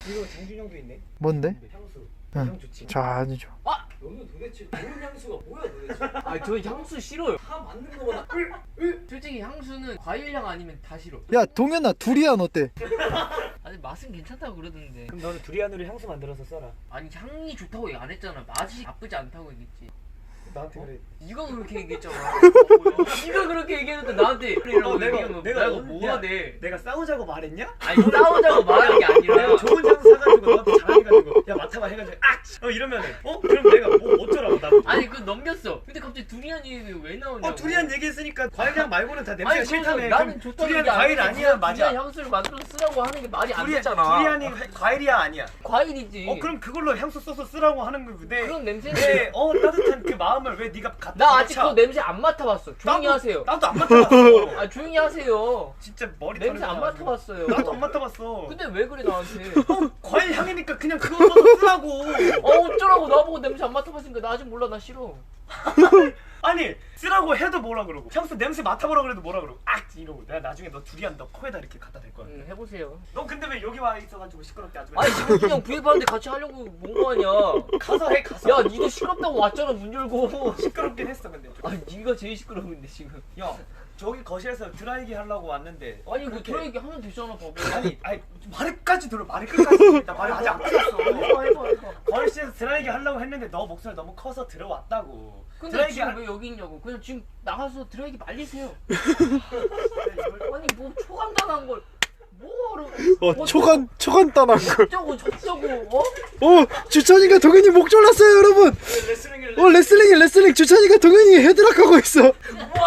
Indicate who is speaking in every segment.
Speaker 1: 이거 장준영도 있네.
Speaker 2: 뭔데?
Speaker 1: 향수.
Speaker 2: 응.
Speaker 1: 향 좋지.
Speaker 2: 자, 아니죠.
Speaker 1: 아! 너는 도대체 좋은 향수가 뭐야 도대체?
Speaker 3: 아니 저 향수 싫어요.
Speaker 1: 다 맞는 거보다
Speaker 3: 솔직히 향수는 과일향 아니면 다 싫어.
Speaker 2: 야, 동현아, 두리안 어때?
Speaker 3: 아니 맛은 괜찮다고 그러던데.
Speaker 1: 그럼 너는 두리안으로 향수 만들어서 써라.
Speaker 3: 아니 향이 좋다고 얘기 안 했잖아. 맛이 나쁘지 않다고 얘기했지.
Speaker 1: 나한테 그래.
Speaker 3: 네가 그렇게 얘기했잖아. 네가 그렇게 얘기했는데 나한테 그래라고 얘기하면 내가 뭐가 돼?
Speaker 1: 내가 싸우자고 말했냐?
Speaker 3: 아니 싸우자고 말한 게 아니라
Speaker 1: 내가 좋은 향수 사가지고 너한테 자랑해가지고 야 맡아봐 해가지고 이러면은 그럼 내가 뭐 어쩌라고 나.
Speaker 3: 아니 그 넘겼어. 근데 갑자기 두리안 얘기 왜 나오냐고.
Speaker 1: 두리안 얘기했으니까 과일향 말고는 다 냄새가
Speaker 3: 아니
Speaker 1: 싫다며.
Speaker 3: 나는 좋다고
Speaker 1: 두리안
Speaker 3: 얘기 안
Speaker 1: 과일
Speaker 3: 했는데
Speaker 1: 아니야 맞아.
Speaker 3: 두리안 향수를 만들어서 쓰라고 하는 게 말이 안 되잖아.
Speaker 1: 두리안이 과일이야 아니야.
Speaker 3: 과일이지.
Speaker 1: 그럼 그걸로 향수 써서 쓰라고 하는 건데.
Speaker 3: 그런 냄새는
Speaker 1: 내 따뜻한 그 마음을 왜 네가 갖다
Speaker 3: 나 아직
Speaker 1: 차?
Speaker 3: 그 냄새 안 맡아봤어. 조용히 하세요.
Speaker 1: 나도 안 맡아봤어.
Speaker 3: 아 조용히 하세요.
Speaker 1: 진짜 머리
Speaker 3: 냄새 안
Speaker 1: 털어가지고.
Speaker 3: 맡아봤어요.
Speaker 1: 나도 안 맡아봤어.
Speaker 3: 근데 왜 그래 나한테?
Speaker 1: 과일 향이니까 그냥 그거 써서 쓰라고.
Speaker 3: 어쩌라고 나보고 냄새 안 맡아봤으니까 나 아직 몰라 나 싫어.
Speaker 1: 아니 쓰라고 해도 뭐라 그러고 향수 냄새 맡아보라 그래도 뭐라 그러고 이러고 내가 나중에 너 두리안 너 코에다 이렇게 갖다 댈 거야.
Speaker 3: 해보세요.
Speaker 1: 너 근데 왜 여기 와 있어가지고 시끄럽게 아주.
Speaker 3: 아니 지금 그냥 구입하는데 같이 하려고 뭔 거 아니야.
Speaker 1: 가서 해 가서.
Speaker 3: 야 니도 시끄럽다고 왔잖아 문 열고.
Speaker 1: 시끄럽긴 했어 근데.
Speaker 3: 아니 니가 제일 시끄러운데 지금.
Speaker 1: 야 저기 거실에서 드라이기 하려고 왔는데.
Speaker 3: 아니 그
Speaker 1: 그렇게-
Speaker 3: 드라이기 하면 되잖아 바보.
Speaker 1: 아니 말을 들어 말을 끝까지. 나 말을 아직 안 끝났어.
Speaker 3: 해봐.
Speaker 1: 거실에서 드라이기 하려고 했는데 너 목소리 너무 커서 들어왔다고.
Speaker 3: 근데
Speaker 1: 드라이기
Speaker 3: 지금
Speaker 1: 할-
Speaker 3: 왜 여기 있냐고. 그냥 지금 나가서 드라이기 말리세요. 아니 뭐 초간단한 걸 뭐하러.
Speaker 2: 초간단한 걸.
Speaker 3: 저쩌고
Speaker 2: 주찬이가 동현이 목 졸랐어요, 여러분. 레슬링. 주찬이가 동현이 헤드락 하고 있어. 2,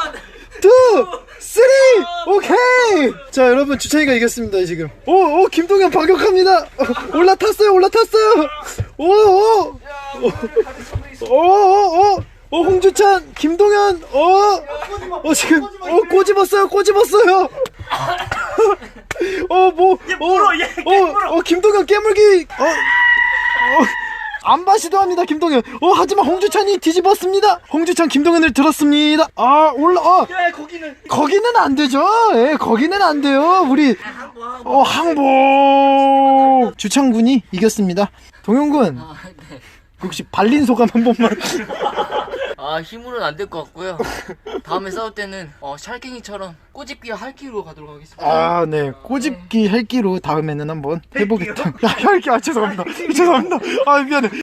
Speaker 2: 3, 오케이. 자, 여러분, 주찬이가 이겼습니다 지금. 오, 김동현 반격합니다. 올라탔어요. 홍주찬, 김동현, 지금, 꼬집었어요.
Speaker 1: 얘 물어 얘 물어.
Speaker 2: 김동현 깨물기. 안바 시도합니다, 김동현. 하지만 홍주찬이 뒤집었습니다. 홍주찬 김동현을 들었습니다.
Speaker 1: 야
Speaker 2: 거기는 안 되죠. 예, 거기는 안 돼요. 우리 항복. 주창군이 이겼습니다. 동현군,
Speaker 3: 아 네.
Speaker 2: 혹시 발린 소감 한 번만.
Speaker 3: 아 힘으로는 안 될 것 같고요. 다음에 싸울 때는 샬갱이처럼 꼬집기와 할기로 가도록 하겠습니다.
Speaker 2: 네. 꼬집기 헬기로 다음에는 한번 해보겠다. 야, 헬기. 죄송합니다. 미안해.